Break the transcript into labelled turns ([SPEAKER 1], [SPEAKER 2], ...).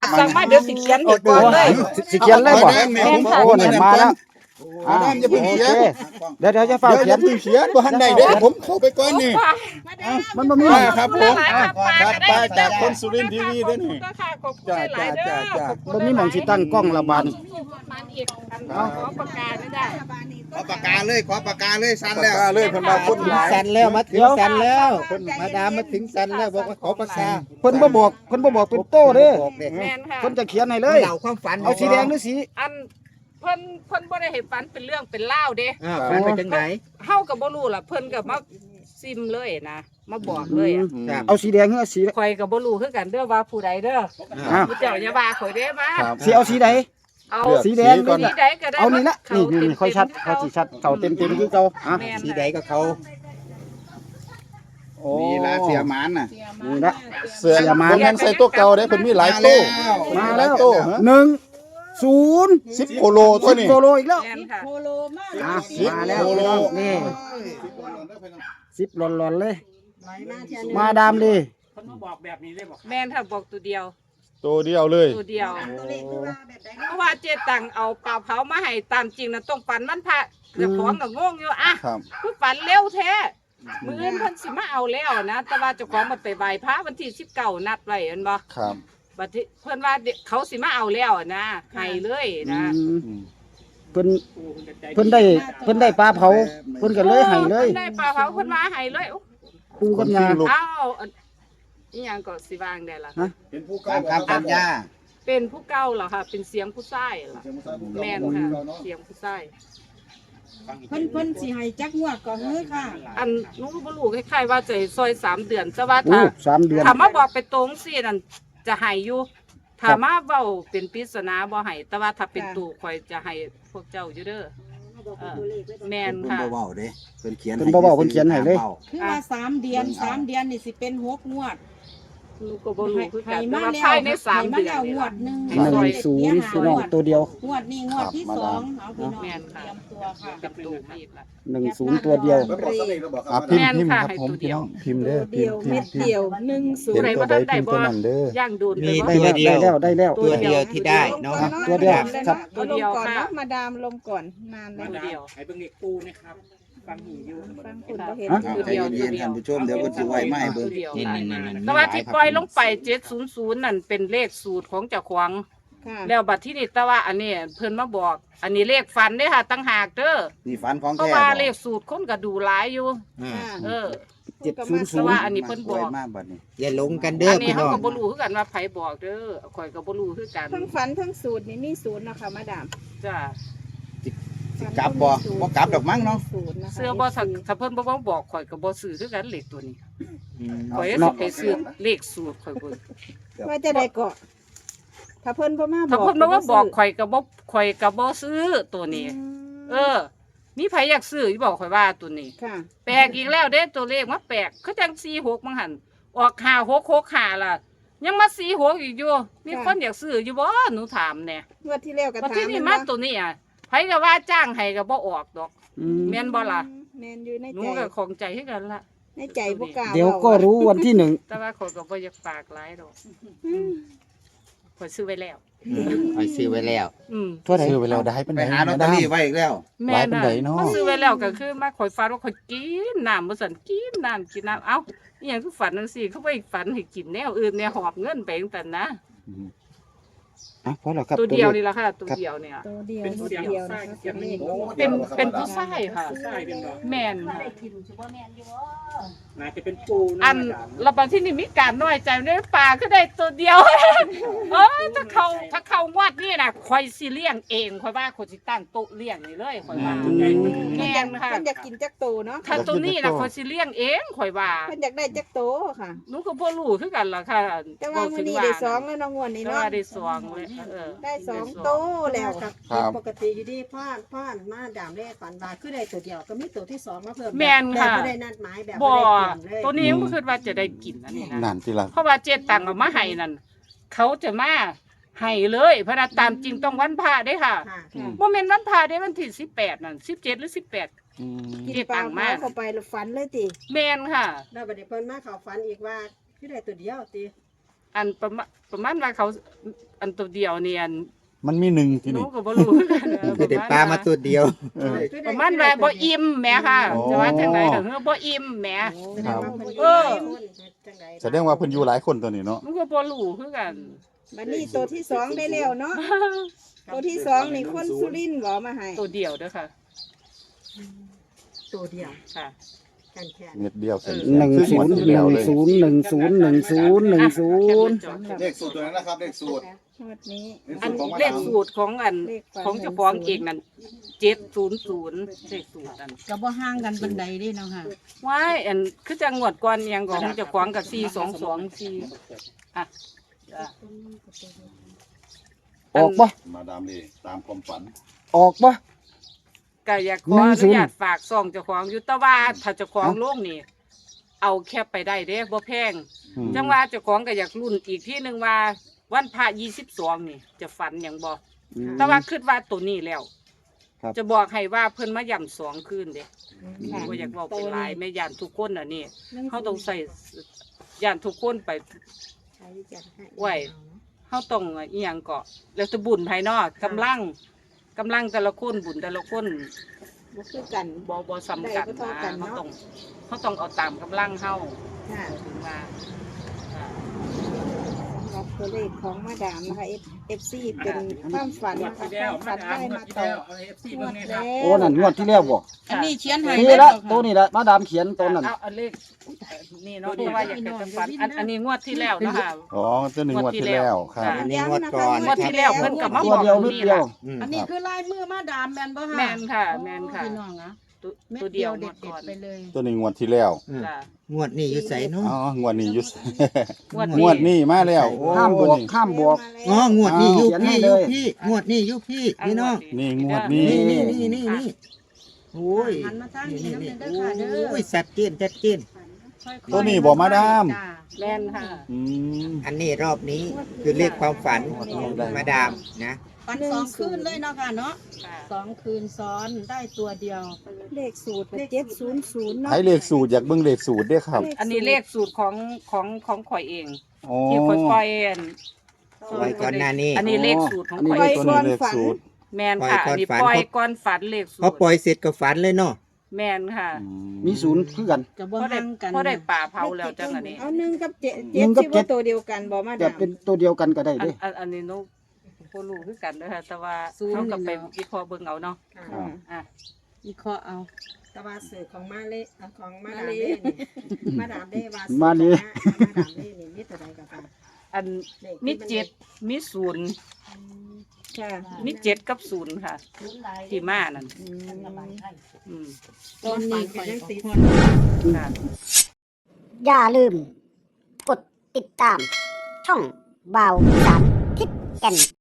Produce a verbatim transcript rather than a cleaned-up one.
[SPEAKER 1] สั่งมาเดี๋ยวสิเขียนให้ก่อนเลย
[SPEAKER 2] สิเขียนเลยบ่
[SPEAKER 1] แม่นค่ะ
[SPEAKER 2] โอ้เนี่ยมาแล้ว
[SPEAKER 3] มาดามอย่าเพิ่ง
[SPEAKER 2] โอ
[SPEAKER 3] เขีย
[SPEAKER 2] เคน เดี๋ยวเดี๋ยวจะเฝ้า
[SPEAKER 3] เดี๋ยว
[SPEAKER 2] เขียน
[SPEAKER 3] อย่าเพิ่งเขียนบ่ทันได้เด้อผมเข้าไปก่อนนี่
[SPEAKER 2] มันบ่มี
[SPEAKER 3] ป้าครับผม
[SPEAKER 1] หลายครับป้า
[SPEAKER 3] ครับ
[SPEAKER 1] ก็ได้
[SPEAKER 3] ป้าจากคนสุรินทร์ทีวีเด้อนี่
[SPEAKER 1] ก็ค่ะขอบคุณ
[SPEAKER 3] จ้า
[SPEAKER 1] หลายๆเด้
[SPEAKER 3] จ้า
[SPEAKER 1] อ
[SPEAKER 3] จ้า
[SPEAKER 1] ขอบคุณ
[SPEAKER 2] บ่มีหม่องสิตั้งกล้องละบาด
[SPEAKER 1] มันอีกอันขอประกาศได้
[SPEAKER 4] ขอปากกาเลยขอปากกาเลยสั้น
[SPEAKER 3] ปาก
[SPEAKER 4] แล้ว
[SPEAKER 3] กาเลยเพิ่นว่าคนหลาย
[SPEAKER 4] สั้นแล้วมาถึงสั้นแล้วมาดามมาถึงสั้นแล้วบอกว่าขอปากกา
[SPEAKER 2] เพิ่นบ่บอกเพิ่นบ่บอกเป็นโต้เด้อ
[SPEAKER 4] บอกเด็ก
[SPEAKER 1] แม่นค่ะ
[SPEAKER 2] เพิ่นจะเขียนให้เลย
[SPEAKER 4] เล่าความฝัน
[SPEAKER 2] เอาสีแดงหรือสี
[SPEAKER 1] อันเพิ่นเพิ่นบ่ได้ให้ฝันเป็นเรื่องเป็นเล่าวเด้
[SPEAKER 4] อ่าฝันไปจังไหน
[SPEAKER 1] เฮาก็บ่รู้ล่ะเพิ่นก็มาซิมเลยนะมาบอกเลยอะ
[SPEAKER 4] ครับ
[SPEAKER 2] เอาสีแดงหรือสี
[SPEAKER 1] ข่อยก็บ่รู้คือกันเด้อว่าผู้ใดเด้อ
[SPEAKER 2] อ้าว
[SPEAKER 1] ผู้เจ้าอย่าว่าข่อยเด้มา
[SPEAKER 3] ครับ
[SPEAKER 2] สิเอาสีใด
[SPEAKER 1] เอา
[SPEAKER 2] สีแดง
[SPEAKER 3] ก่อน
[SPEAKER 1] สีใดก็ได้
[SPEAKER 2] เอานี่ละ
[SPEAKER 1] เขา
[SPEAKER 2] นี่นี่
[SPEAKER 1] เต็ม
[SPEAKER 2] นี่ค่อยชัดค่อยสิชัดเก่าเต็มๆคือเก่าอ่ะ
[SPEAKER 1] แม่น
[SPEAKER 4] สีใดก็เขา
[SPEAKER 2] โอ้
[SPEAKER 4] มีลาเสียหมานน่ะ
[SPEAKER 2] นี่ละ
[SPEAKER 3] เสือผมยังใส่ตัวเก่าได้เพิ่นมีหลายตู้
[SPEAKER 2] มา
[SPEAKER 3] ห
[SPEAKER 2] แล้
[SPEAKER 3] ลายว ตู้ฮะ
[SPEAKER 2] หนึ่งศูนย์
[SPEAKER 3] สิบโคโลตัวนี้
[SPEAKER 2] โซโลอีกแล้ว
[SPEAKER 1] แม่นค่ะ
[SPEAKER 2] อ่ะ
[SPEAKER 3] สิบ
[SPEAKER 2] มาแล้ว
[SPEAKER 3] โคโล
[SPEAKER 2] นี่สิบหลอนๆเลย มาดามดี
[SPEAKER 1] แม่นค่ะบอกตัวเดียว
[SPEAKER 3] ตัวเดียวเลย
[SPEAKER 1] ตัวเดียวเพราะว่าเจตังเอาปลาเผามาให้ตามจริงนะต้องฝันมันพระเจ้าของก็งงอยู่อ่ะ
[SPEAKER 3] ครับ
[SPEAKER 1] คือฝันเร็วแท้มื้ออื่นเพิ่นสิมาเอาแล้วนะแต่ว่าเจ้าของมันไปไหว้พระวันที่สิบเก้านัดไว้เห็นบ่
[SPEAKER 3] ครับ
[SPEAKER 1] บัดนี้เพิ่นว่าเดี๋ยวเขาสิมาเอาแล้วนะให้เลยนะ
[SPEAKER 2] อืม
[SPEAKER 3] อืม
[SPEAKER 2] เพิ่นเพิ่นได้เพิ่นได้ปลาเผาเพิ่นก็เลยให้เลย
[SPEAKER 1] พิ่นได้ปลาเผาเพิ่นมาให้เลยอุ๊ย
[SPEAKER 2] ปูกับยา
[SPEAKER 3] ลูก
[SPEAKER 1] เอ้าอันอีหยังก็สิวางได้ล่ะ
[SPEAKER 2] ฮะ
[SPEAKER 4] ตามคำสัญญา
[SPEAKER 1] เป็นผู้เก่าเหรอค่ะเป็นเสียงผู้ชายเหรอแม่นค่ะเสียงผู้ชาย
[SPEAKER 5] เพิ่นเพิ่นสิให้จักงวดก่อนเฮ้ยค่ะ
[SPEAKER 1] อันหนูก็บ่รู้คล้ายๆว่าจะให้ซอยสามเดือนแต่ว่า
[SPEAKER 2] โอ้
[SPEAKER 1] ถ้า
[SPEAKER 2] สามเดือน
[SPEAKER 1] ถ้ามาบอกไปตรงสินั่นจะให้อยู่ถ้ามาเว้าเป็นปริศนาบ่ให้แต่ว่าถ้าเป็นตู่ข่อยจะให้พวกเจ้าอยู่เด้อเออแม่น
[SPEAKER 4] เพิ่น
[SPEAKER 1] ค่ะ
[SPEAKER 4] บ่เว้าเด้เพิ่นเขียน
[SPEAKER 2] เพิ่นบ่เว้าเพิ่นเขียนให้เลย
[SPEAKER 5] คือว่าสามเดือนสามเดือนนี่สิเป็นหกงวด
[SPEAKER 1] หนูก็บ่รู้คือกั
[SPEAKER 5] ให้
[SPEAKER 1] นแต่
[SPEAKER 5] มา
[SPEAKER 1] ว่า
[SPEAKER 5] แล้ว
[SPEAKER 1] ภายในสาม
[SPEAKER 5] ให้
[SPEAKER 1] เดือน
[SPEAKER 5] แล้ว
[SPEAKER 1] นี่
[SPEAKER 5] งว
[SPEAKER 1] ล่ะ
[SPEAKER 5] ดหนึง
[SPEAKER 2] หนึ่งศูนย์พี่น้องตัวเดียว
[SPEAKER 5] งวดนี้งวดที่สองเอาพี่น้อง
[SPEAKER 1] แม่นค่ะ
[SPEAKER 5] เตรียมตัวค่ะ
[SPEAKER 1] กับตู่มีดล่ะ
[SPEAKER 2] หนึ่งศูนย์ตัวเดียว
[SPEAKER 3] อ่ะพิม
[SPEAKER 1] แม่
[SPEAKER 3] พ์
[SPEAKER 1] น
[SPEAKER 3] พิมพ์
[SPEAKER 1] ค่ะ
[SPEAKER 3] ครับ
[SPEAKER 1] ให้
[SPEAKER 3] ผม
[SPEAKER 1] ตัวเดี
[SPEAKER 3] พี่
[SPEAKER 1] ยว
[SPEAKER 3] น้องพิมพ์เด้อพิ
[SPEAKER 5] เดี
[SPEAKER 3] ม
[SPEAKER 5] ยว
[SPEAKER 3] พ์พิ
[SPEAKER 5] เม็
[SPEAKER 3] ม
[SPEAKER 5] ด
[SPEAKER 3] พ์พิม
[SPEAKER 5] เดี
[SPEAKER 3] พ์
[SPEAKER 5] ยวหนึ่งศู
[SPEAKER 3] เห็
[SPEAKER 5] น
[SPEAKER 3] น
[SPEAKER 5] ย์
[SPEAKER 3] ตัวใดพิมพ์ตัวนั้นเด้อย่าง
[SPEAKER 1] โดน
[SPEAKER 4] มี
[SPEAKER 1] ไป
[SPEAKER 4] ตัว
[SPEAKER 1] ว่า
[SPEAKER 4] เดียว
[SPEAKER 2] ได้แล้วได้แล้ว
[SPEAKER 4] ตัวเดียวที่ได้เนาะ
[SPEAKER 2] ตัวเดียว
[SPEAKER 4] ครับ
[SPEAKER 1] ตัวเดียว
[SPEAKER 5] ลงก่อน
[SPEAKER 1] ค่ะ
[SPEAKER 5] เนาะมาดามลงก่อนนานแล้ว
[SPEAKER 1] ตัวเดียว
[SPEAKER 6] ให้เบิ่งเด็กปูนะครับฟังหูอยู่
[SPEAKER 5] บางคนก็เห็น
[SPEAKER 2] ฮะ
[SPEAKER 4] เอาใจเย็นๆท่านผู้ชมเดี๋ยวเพิ่นสิไว้มาให้เบิ่ง
[SPEAKER 1] ตัวเดียว
[SPEAKER 4] นี่
[SPEAKER 1] ค่ะ
[SPEAKER 4] ๆๆๆ
[SPEAKER 1] แต่ว่าที่ปล่อยลงไปเจ็ดศูนย์ศูนย์นั่นเป็นเลขสูตรของเจ้าของ
[SPEAKER 5] ค่ะ
[SPEAKER 1] แล้วบัดที่นี่แต่ว่าอันนี้เพิ่นมาบอก อันนี้เลขฟันเด้อค่ะตั้งหากเด้อ
[SPEAKER 4] นี่ฝันของ
[SPEAKER 1] เพราะ
[SPEAKER 4] แท้
[SPEAKER 1] ว่า
[SPEAKER 4] บ่
[SPEAKER 1] เลขสูตรคนก็ดูหลายอยู่
[SPEAKER 4] อ่า
[SPEAKER 5] ค่ะ
[SPEAKER 1] เออ
[SPEAKER 2] เจ็ดศูนย์ศู
[SPEAKER 1] แต่
[SPEAKER 2] น
[SPEAKER 1] ว่า
[SPEAKER 2] ย์
[SPEAKER 1] อันนี้เพิ่นบอก
[SPEAKER 4] ไว้มาบัดนี้อย่าหลงกันเด้อ
[SPEAKER 1] อันนี้
[SPEAKER 4] พี่
[SPEAKER 1] เขา
[SPEAKER 4] น้อง
[SPEAKER 1] ก็บ่รู้คือกันว่าไผบอกเด้อข่อยก็บ่รู้คือกัน
[SPEAKER 5] ทั้งฝันทั้งสูตรนี่มีศูนย์นะคะมาดาม
[SPEAKER 1] จ้า
[SPEAKER 4] สิกลับบ่บ่กลับดอกมั้งเนาะ
[SPEAKER 5] ศูนย์นะคะ
[SPEAKER 1] เสื้อบ่ถ้าถ้าเพิ่นบ่บอกข่อยก็บ่ซื้อคือกันเลขตัวนี้
[SPEAKER 4] อืม
[SPEAKER 1] ข่อยสิไปซื้อเลขสูตรข่อยเบิ่ง
[SPEAKER 5] ว่าจะได้เกาะถ้าเพิ่นบ่มาบอก
[SPEAKER 1] ถ้าเพิ่นบ่มาบอกข่อยก็บ่ข่อยก็บ่ซื้อตัวนี้ เออ มีไผอยากซื้ออยู่บอกข่อยว่าตัวนี้
[SPEAKER 5] ค่ะ
[SPEAKER 1] แปลกอีกแล้วเด้ตัวเลขมาแปลกคือจังสี่หกมั้งหันออกห้าหกหกห้าล่ะ ยังมาสี่หกอีกอยู่มีคนอยากซื้ออยู่บ่หนูถามแน่
[SPEAKER 5] งวดที่แล้วก็
[SPEAKER 1] วัน
[SPEAKER 5] ถาม
[SPEAKER 1] ที่นี่
[SPEAKER 5] น
[SPEAKER 1] มา
[SPEAKER 5] ว่
[SPEAKER 1] ตัวนี้อ่ะไผก็ว่าจ้างให้ก็บ่ออกดอก
[SPEAKER 2] อืม
[SPEAKER 1] แม่นบ่ล่ะ
[SPEAKER 5] แม่นอยู่ใน
[SPEAKER 1] หนู
[SPEAKER 5] ใจ
[SPEAKER 1] ก็ของใจคือกันล่ะ
[SPEAKER 5] ในใจบ่กล้า
[SPEAKER 2] เดี๋ยวก็รู้วันที่หนึ่ง
[SPEAKER 1] แต่ว่าข่อยก็บ่อยากปากหลายดอก
[SPEAKER 5] อืม
[SPEAKER 1] ข่อยซื้อไว้แล้ว
[SPEAKER 4] ไปซื้อไว้แล้ว
[SPEAKER 1] อืม
[SPEAKER 2] ทั่วไหน
[SPEAKER 3] ซื้อไปแล้วได้เป็น
[SPEAKER 4] ไป
[SPEAKER 3] ไหน
[SPEAKER 4] หาลอตเตอรี่ไว้อีกแล้ว
[SPEAKER 1] แม่
[SPEAKER 3] หลายปานใดเนาะ
[SPEAKER 1] เขาซื้อไว้แล้วก็คือมาข่อยฝันว่าข่อยกินน้ำบ่ซั่นกินน้ำกินน้ำเอ้าอีหยังคือฝันจังซี่เขาบ่ฝันให้กินแนวอื่นแนวหอบเงินไปจังซั่นนะ
[SPEAKER 2] อ่ะพอแล้วครับ
[SPEAKER 1] ตัวเดียว
[SPEAKER 2] ลข
[SPEAKER 1] นี่ละค่ะตัวเดียวเนี่ย
[SPEAKER 5] ตัวเดียว
[SPEAKER 6] เป็น
[SPEAKER 5] ตัว
[SPEAKER 6] เสียง
[SPEAKER 5] เดียว
[SPEAKER 6] ใส่
[SPEAKER 5] นะคะ
[SPEAKER 6] เสียงนี้
[SPEAKER 1] เป็นเป็นผู้ชายค่ะ
[SPEAKER 6] ใส่เป็นบ่
[SPEAKER 1] แม่นค่ะ
[SPEAKER 6] น่าจะเป็นปู
[SPEAKER 1] อันเราบางที่นี่มีการน้อยใจในป่าก็ได้ตัวเดียว เออถ้าเขาถ้าเขางวดนี่นะคอยสิเลี้ยงเองคอยว่าคนสิตั้งโต๊ะเลี้ยงนี่เลยคอยว่า
[SPEAKER 2] อืม
[SPEAKER 1] แม่นค่ะ
[SPEAKER 5] เพิ่นอยากกินจักโตเนาะ
[SPEAKER 1] ถ้าตัวนี้นะคอยสิเลี้ยงเองคอยว่า
[SPEAKER 5] เพิ่นอยากได้จักโตค่ะ
[SPEAKER 1] หนูก็บ่รู้คือกันล่ะค่ะ
[SPEAKER 5] แต่ว่ามื้อนี้ได้สองแล้วเนาะงวดนี้
[SPEAKER 1] แต่
[SPEAKER 5] เนาะ
[SPEAKER 1] ว่าได้สองเลยเออ
[SPEAKER 5] ได้สองโตแล้ว
[SPEAKER 3] ครับ
[SPEAKER 7] ปกติอยู่ดีพ่านพ่านมาดามเลขฝันว่าคือได้ตัวเดียวก็มีตัวที่สองมาเพิ่ม
[SPEAKER 1] แม่นค่ะ
[SPEAKER 7] แบบบ่ได้นัดหมายแบบ
[SPEAKER 1] บ่
[SPEAKER 7] บ่ได้เตรียมเลย
[SPEAKER 1] ตัวนี้ก็คือว่าจะได้กินอันนี้นะ
[SPEAKER 3] นั่นสิล่ะ
[SPEAKER 1] เพราะว่าเจตังเอามาให้นั่นเขาจะมาให้เลยเพราะว่าตามจริงต้องวันพระเด้ค่ะ
[SPEAKER 7] ค่ะ
[SPEAKER 5] ค่ะ
[SPEAKER 1] โมเมนต์วันพระเด้วันที่สิบแปดนั่นสิบเจ็ดหรือสิบแปด
[SPEAKER 3] อืม
[SPEAKER 5] กิน
[SPEAKER 1] เก็บ
[SPEAKER 5] ปลา
[SPEAKER 1] ตังค์มา
[SPEAKER 5] เผาเข้าไปแล้วฝันเลยติ
[SPEAKER 1] แมนค่ะ
[SPEAKER 7] แล้วบัดนี้เพิ่นมาเข้าฝันอีกว่าคือได้ตัวเดียวติ
[SPEAKER 1] อันประมาณประมาณว่าเขาอันตัวเดียวนี่อัน
[SPEAKER 3] มันมีหนึ่งที่
[SPEAKER 1] หนู
[SPEAKER 3] นี่
[SPEAKER 1] ก็บ่รู้คือกันเออ
[SPEAKER 4] คือได้ปลามาตัวเดียว
[SPEAKER 3] เออ
[SPEAKER 1] ประมาณว่าบ่อิ่มแหมค่ะ
[SPEAKER 3] โอ้
[SPEAKER 1] จะว่าจังได๋ก็คือบ่อิ่มแหม
[SPEAKER 3] ครับ
[SPEAKER 1] เออ
[SPEAKER 3] แสดงว่าเพิ่นอยู่หลายคนตัวนี้เนาะ
[SPEAKER 1] มันก็บ่รู้คือกัน
[SPEAKER 5] บัดนี้ตัวที่สองได้แล้วเนาะตัวที่สองนี่คนสุรินทร์บ่มาให้
[SPEAKER 1] ตัวเดียวเด้อค่ะ
[SPEAKER 7] ตัวเดียว
[SPEAKER 1] ค่ะ
[SPEAKER 7] แค่แค่
[SPEAKER 3] เม็ดเดียวเสร็จ
[SPEAKER 2] หนึ่งศูนย์หนึ่งศูนย์หนึ่งศูนย์หนึ่งศูนย์หนึ่งศูนย์
[SPEAKER 3] เลขสูตรตัวนั้นนะครับเลขสูตร
[SPEAKER 5] งวดนี้
[SPEAKER 1] อันเลขสูตรของอันของเจ้าของเองนั่นเจ็ดศูนย์ศูนย์เลขสูตรนั่น
[SPEAKER 5] ก็บ่ห่างกันปานใดเด้เนาะค่ะ
[SPEAKER 1] ว้ายอันคือจังหวัดก่อนอิหยังของเจ้าของกับสี่สองสองสี่อ่ะจ้ะ
[SPEAKER 2] ออกปะ
[SPEAKER 3] มาดามนี่ตามความฝัน
[SPEAKER 2] ออกปะ
[SPEAKER 1] ก็อยากขออนุญาตฝากซองเจ้าของอยู่แต่ว่าถ้าเจ้าของโลกนี่เอาแคบไปได้เด้บ่แพง
[SPEAKER 3] อืม
[SPEAKER 1] จังว่าเจ้าของก็อยากรุ่นอีกที่หนึงว่าวันพระยี่สิบสองนี่ จะฝันหยังบ่แต่ว่าคิดว่าตัวนี้แล้ว
[SPEAKER 2] ครับ
[SPEAKER 1] จะบอกให้ว่าเพิ่นมาย่ำสองคืนเด้
[SPEAKER 5] ค่ะ
[SPEAKER 1] บ่อยากเว้าเป็นหลายแม่ย่านทุกคนน่ะนี่เฮาต้องใส่ย่านทุกคนไปไว้เฮาต้องอีหยังก็แล้วแต่บุญภายนอกกำลังกำลังแต่ละคนบุญแต่ละคน
[SPEAKER 5] บ่คือกัน
[SPEAKER 1] บ่บ่ซ้ำกัน
[SPEAKER 5] ได้บ่เท่า
[SPEAKER 1] นะ
[SPEAKER 5] กัน
[SPEAKER 1] เฮา
[SPEAKER 5] เนาะ
[SPEAKER 1] ต้องเฮาต้องเอาตามกำลังเฮา
[SPEAKER 5] ค่ะ
[SPEAKER 1] ถึงว่าอ่า
[SPEAKER 5] สำหรับตัวเลขของมาดามนะคะ เอฟ ซี เป็นความฝันนะคะความฝันได้มาต่องวดแล้ว
[SPEAKER 2] โอ้นั่นงวดที่แล้วบ่
[SPEAKER 5] อันนี้เขียนให้
[SPEAKER 2] นี่
[SPEAKER 5] เลย
[SPEAKER 2] ละ
[SPEAKER 5] เหรอคะ
[SPEAKER 2] ตัวนี้ละมาดามเขียนตัวนั้น
[SPEAKER 1] เอาเอาเลขนี่เนาะเพราะว่าอยากจะฝันอันอันนี้งวดที่แล้วเนาะค่ะ
[SPEAKER 3] อ๋อตัวหนึ่งงวดที่แล้วครับ
[SPEAKER 4] อันนี้งวดก่อน
[SPEAKER 1] งวดที่แล้วเพิ่นก็มา
[SPEAKER 2] ตัวเดียวนิดเดียว
[SPEAKER 4] อืม
[SPEAKER 5] อันนี้คือลายมือมาดามแมนบ่คะ
[SPEAKER 1] แม่นค่ะแม่นค่ะ
[SPEAKER 5] พี่น้องอะ
[SPEAKER 1] ตัว
[SPEAKER 5] เม็ด
[SPEAKER 1] ตัว
[SPEAKER 5] เดี
[SPEAKER 1] เดี
[SPEAKER 5] ย
[SPEAKER 1] ยว ว
[SPEAKER 5] เด็
[SPEAKER 1] งว
[SPEAKER 5] ด
[SPEAKER 1] ดก่อน
[SPEAKER 5] ๆไปเลย
[SPEAKER 3] ตัวนี้งวดที่แล้ว
[SPEAKER 4] อืม
[SPEAKER 1] จ้ะ
[SPEAKER 4] งวดนี้อยู่ไสเนาะ
[SPEAKER 3] อ๋องวดนี้อยุส
[SPEAKER 1] งวด
[SPEAKER 3] งวดนี้มาแล้วโอ้
[SPEAKER 2] ห้ามบวก
[SPEAKER 3] นี่
[SPEAKER 2] ห้ามบวก
[SPEAKER 4] อ๋องวดนี้อยู่
[SPEAKER 2] เขียนให้
[SPEAKER 4] พี่
[SPEAKER 2] เล
[SPEAKER 4] อยู่
[SPEAKER 2] ย
[SPEAKER 4] พี่งวดนี้อยู่พี่พี่น้อง
[SPEAKER 3] นี่งวดนี้
[SPEAKER 4] นี่นี่นี่นี่นี่โอ้ย
[SPEAKER 5] หันมาทางนี้
[SPEAKER 4] นี่
[SPEAKER 5] น้ำ
[SPEAKER 4] นี่
[SPEAKER 5] เงินเด้อค่ะเด้อ
[SPEAKER 4] โอ้ยชัดเจนชัดเจน
[SPEAKER 5] ค่อยๆ
[SPEAKER 3] ตัวนี้บ่มาดาม
[SPEAKER 5] จ้ะ
[SPEAKER 1] แม่นค่ะ
[SPEAKER 3] อืม
[SPEAKER 4] อันนี้รอบนี้คือเลขความฝันมาดามนะ
[SPEAKER 5] ฝันสองคืนเลยเนาะค่ะเนาะ
[SPEAKER 1] ค่ะ
[SPEAKER 5] สองคืนซ้อนได้ตัวเดียว เลขสูตรเจ็ดศูนย์ศูนย์เนาะ
[SPEAKER 3] ให้เลขสูตรอยากเบิ่งเลขสูตรเด้อครับ
[SPEAKER 1] อันนี้เลขสูตรของของของข่อยเอง
[SPEAKER 3] อ๋อ
[SPEAKER 1] ที่ข่อยปล่อยอัน
[SPEAKER 4] ไว้ก่อนหน้านี้
[SPEAKER 1] อันนี้เลขสูตรของ
[SPEAKER 2] อันนี้
[SPEAKER 1] ข่อย
[SPEAKER 2] เลข
[SPEAKER 3] ตัวนี้เลขสูตร
[SPEAKER 1] แม่นค่ะอันนี้ปล่อยก่อนฝันเลขสูตร
[SPEAKER 4] พอปล่อยเสร็จก็ฝันเลยเนาะ
[SPEAKER 1] แม่นค่ะ
[SPEAKER 3] อื
[SPEAKER 2] มีศูนย์คือกัน
[SPEAKER 5] จะ
[SPEAKER 1] เพ
[SPEAKER 5] บ่
[SPEAKER 1] ราะได้
[SPEAKER 5] ห่างกัน
[SPEAKER 1] เพราะได้ป่าเผาแล้วจังอันนี้
[SPEAKER 5] เอาหนึ่งกับเจ็ด
[SPEAKER 2] หนึ่
[SPEAKER 5] เจ็ด
[SPEAKER 2] งกับ
[SPEAKER 5] สิ
[SPEAKER 2] เจ็ด
[SPEAKER 5] ว่าตัวเดียวกันบ่มา
[SPEAKER 2] จะ
[SPEAKER 5] ดาม
[SPEAKER 2] เป็นตัวเดียวกันก็ได้
[SPEAKER 1] อัน
[SPEAKER 2] เด้
[SPEAKER 1] อันอันนี้หนูบ่รู้คือกันเด้อค่ะแต่ว่า
[SPEAKER 5] ศูนย์
[SPEAKER 1] เฮาก็ไป
[SPEAKER 5] นี่เนาะ
[SPEAKER 1] วิเคราะห์เบิ่งเอาเนาะ
[SPEAKER 7] ค่ะ
[SPEAKER 2] อ่า
[SPEAKER 1] อ่ะ
[SPEAKER 5] วิเคราะห์เอา
[SPEAKER 7] แตะว่าสื่อของมาเล่ของมาดามเล่นี่มาดามเล่ว่า
[SPEAKER 2] มาดิ
[SPEAKER 7] มาดามเล่นี่มีตัวใดกับค่ะ
[SPEAKER 1] อันมีเจ็ดมีศูนย์
[SPEAKER 5] ค่ะ
[SPEAKER 1] มีเจ็ดกับศูนย์ค่ะ ที่มานั่น
[SPEAKER 5] อืม
[SPEAKER 1] อืม
[SPEAKER 5] ตอนนี้ข่อยก็พอ
[SPEAKER 1] ค่ะ
[SPEAKER 8] อย่าลืม กดติดตาม ช่องบ่าวสามทิศแก่น